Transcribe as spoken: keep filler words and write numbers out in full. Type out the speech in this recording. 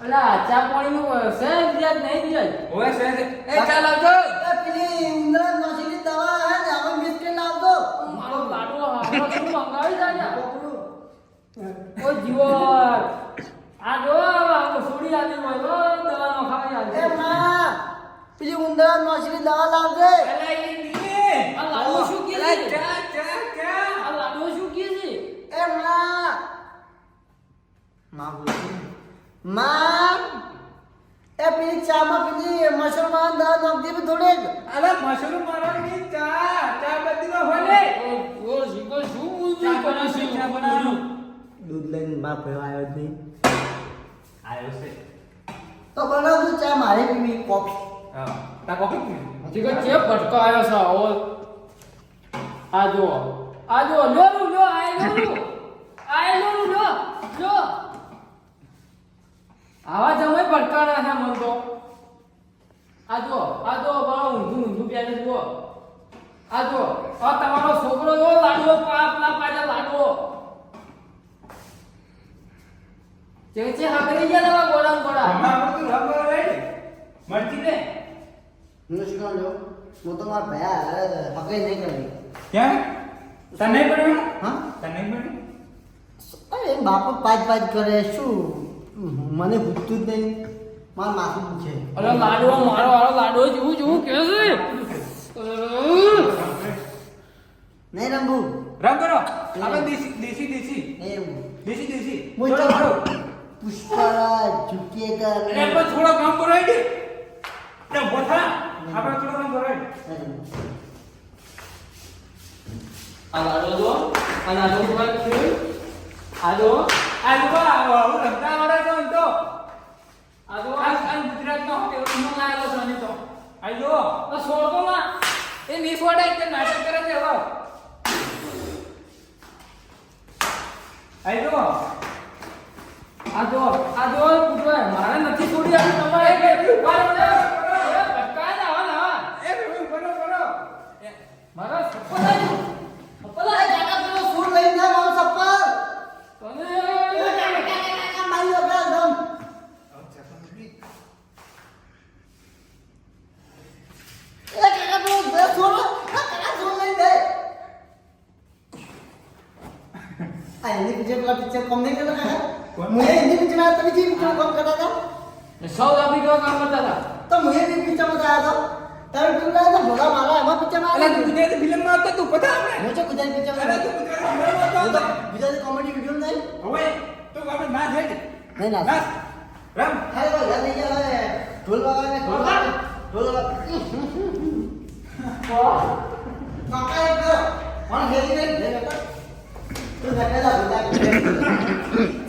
અલા ચા પાણી નું છે બીજા નહીં બીજા ઓય છે એ ચાલ આવજો એ પેલી ઉંદરા નોશીની દવા હે ને હવે મિસ કરી લાવજો. મારો લાડવો હારો શું મંગાવી જાય પકડું. ઓ જીવર આ જો આ સોડી આવી હોય દવા નો ખાવી એ આવી માં પેલી ઉંદરા નોશીની દવા લાવજે. અલા એ ની આ લાડવો શું કે અલા છે ચા ચા ચા આ લાડવો શું કે છે એ માં માં બોલ માં એ પેલી ચામાં પેલી મસલમાન દવા નાખ દે થોડે. અલા મશરૂમ મારવાની ચા ચા બધી નો હોલે ઓ જીગો શું બોલતું ચા કરે છે ચા બનાવવાનું દૂધ લઈને બાપ આવ્યો જ નહીં. આયો છે તો બનાવજો ચા મારે પીવી કોફી. હા તા કોફી પી જીગો ચેપ ભટકો આવ્યો છે ઓ આ જો આ જો લો લો લો આ લો લો આ લો લો લો લો આવા જમાઈ ભટકાના છે મન તો આ જો આ જો બાળો ઊંધું ઊંધું પહેરે જુઓ આ જો આ તમારો છોકરો જો લાડવો પાપલા પાજા લાડવો જે છે હાકરી ગયા દવા ગોળા ગોળા અમાર તો રબર રેડી મરજી દે હું શું કહું છું? હું તો મારા ભયા પકડી નહીં કરી. ક્યાં તને પડ્યું હા તને પડ્યું અરે બાપો પાંચ પાંચ કરે શું મને પૂછતું જ નહીં. મારા માથું પૂછે. અરે લાડવો મારો વાળો લાડવો જેવું જેવું કે છે નહીં રંભુ રંગ કરો આપણે દેશી દેશી દેશી નહીં રંભુ દેશી દેશી હું થોડો તો- મારો પુષ્પરાજ ઝુકેગા અરે નહીં. પણ થોડો કામ કરો આઈ દે ને બોથા આપણે થોડો કામ કરો આઈ નહીં રંભુ. આ લાડવો જો આ લાડવો કોણ છે આ જો આ લોકો આવું રમતા આવડે તો એમ તો આ જો આ આ ગુજરાતનો હોટેલ નો લાયેલો છે ને તો આઈ જો આ છોડતો માં એ ની છોડે તે નાટક કરે છે હવે આઈ જો આ જો આ જો પૂછવાય મારે નથી છોડી આવી તમારે કે મારે ભટકાય ના હા ના એ રવિ કરો કરો મારા સપન આવી સપન અરે કાકા પેલો સૂટ લઈને જા મારું ચપ્પલ. તને એ કાકા, કાકા, કાકા, મારી વગર એકદમ. એ કાકા પેલો બે સૂટ લ- આ કાકા સૂટ લઈને દે. આ હિન્દી પિક્ચર પેલા પિક્ચર કોમ નહીં કરતા કાકા? કોણ? મુએ હિન્દી પિક્ચર માં તમે જે પિક્ચર કોમ કરતા હતા સાઉથ આફ્રિકા કામ કરતા હતા તો મુએ બી પિક્ચર માં ગયા હતો. તમે પેલું લાયા હતા ભોળા મારા એમાં પિક્ચર માં અલા આવ્યા તું ગુજરાતી ફિલ્મ માં હતો તું પતા આપણે હું છે ગુજરાતી પિક્ચર અરે માં તું ગુજરાતી ફિલ્મ માં હું હતો તો ગુજરાતી કોમેડી વિડીયો નહીં હવે તો આપણે ના થઈ નહીં ના ના રામ હાય ભાઈ યાદ નહીં આવે ઢોલ વગાડે ઢોલ વગાડે ઢોલ વગાડે કાકા એક કોણ હેરી નહીં તું નકેલા બધા